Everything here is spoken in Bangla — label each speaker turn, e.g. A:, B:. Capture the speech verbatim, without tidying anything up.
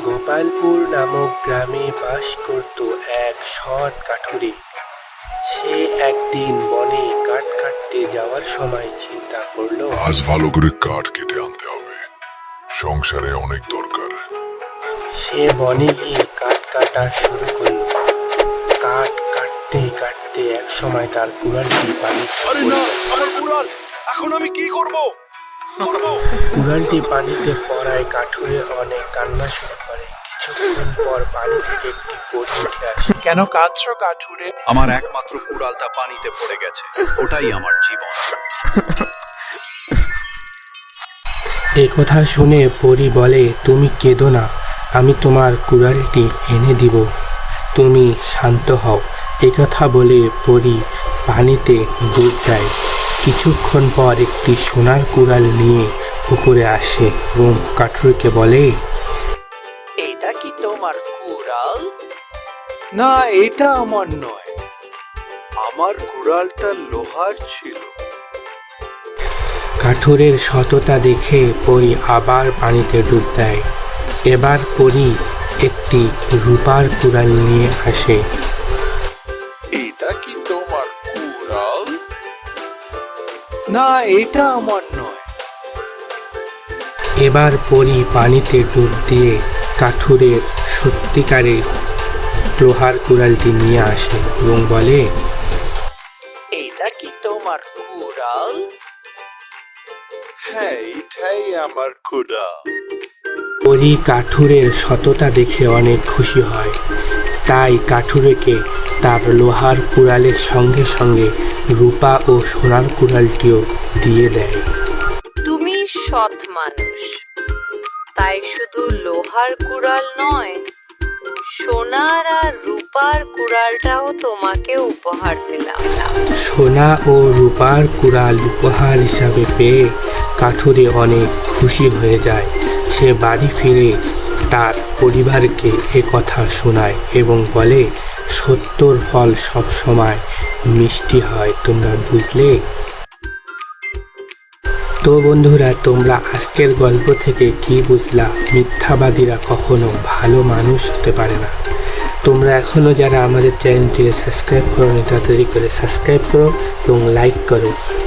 A: গোপালপুর নামক গ্রামে বাস করত এক সৎ কাঠুরে। সে একদিন বনে কাঠ কাটতে যাওয়ার সময় চিন্তা করলো,
B: আজ ভালো করে কাঠ কেটে আনতে হবে, সংসারে অনেক দরকার।
A: সে বনে গিয়ে কাঠ কাটা শুরু করলো। কাঠ কাটতে কাটতে এক সময় তার কুড়ালটি পানিতে
C: আরে না, আমার কুড়াল! এখন আমি কি করব? করব
A: কুড়ালটি পানিতে পড়ায় কাঠুরে অনেক কান্না শুরু করে। কিছুক্ষণ পর পানি থেকে একটি পরী উঠে আসে।
C: কেন কাঁদছো কাঠুরে?
D: আমার একমাত্র কুড়ালটা পানিতে পড়ে গেছে, ওটাই আমার জীবন।
A: এ কথা শুনে পরী বলে, তুমি কেঁদো না, আমি তোমার কুড়ালটি এনে দিব, তুমি শান্ত হও। এ কথা বলে পরী পানিতে ডুব দেয়। কিছুক্ষণ পর একটি সোনার কুড়াল নিয়ে উপরে আসে এবং কাঠুরেকে বলে,
E: এটা কি তোমার কুড়াল?
C: না, এটা আমার নয়। আমার কুড়ালটা লোহার ছিল।
A: কাঠুরের সততা দেখে পরী আবার পানিতে ডুব দেয়। এবার পরী একটি রূপার কুড়াল নিয়ে আসে।
C: এটা কি তোমার কুড়াল? না, এটা আমার নয়।
A: এবার পরী পানিতে ডুব দিয়ে কাঠুরের সত্যিকারের লোহার কুড়ালটি নিয়ে আসে এবং বলে,
E: এটা কি তোমার কুড়াল?
C: হ্যাঁ, এটাই আমার কুড়াল।
A: পরী কাঠুরের সততা দেখে অনেক খুশি হয়। তাই কাঠুরেকে তার লোহার কুড়ালের সঙ্গে সঙ্গে রূপা ও সোনার কুড়ালটিও দিয়ে দেয়।
F: তুমি সৎ মানুষ, তাই শুধু লোহার কুড়াল নয়, সোনার আর রূপার কুড়ালটাও তোমাকে উপহার দিলাম।
A: সোনা ও রূপার কুড়াল উপহার হিসাবে পেয়ে কাঠুরে অনেক খুশি হয়ে যায়। সে বাড়ি ফিরে তার পরিবারকে এ কথা শোনায় এবং বলে, সত্যর ফল সবসময় মিষ্টি হয়, তোমরা বুঝলে? তো বন্ধুরা, তোমরা আজকের গল্প থেকে কি বুঝলা? মিথ্যাবাদীরা কখনো ভালো মানুষ হতে পারে না। তোমরা এখনো যারা আমাদের চ্যানেলটিকে সাবস্ক্রাইব করো নি, তাড়াতাড়ি করে সাবস্ক্রাইব করো এবং লাইক করো।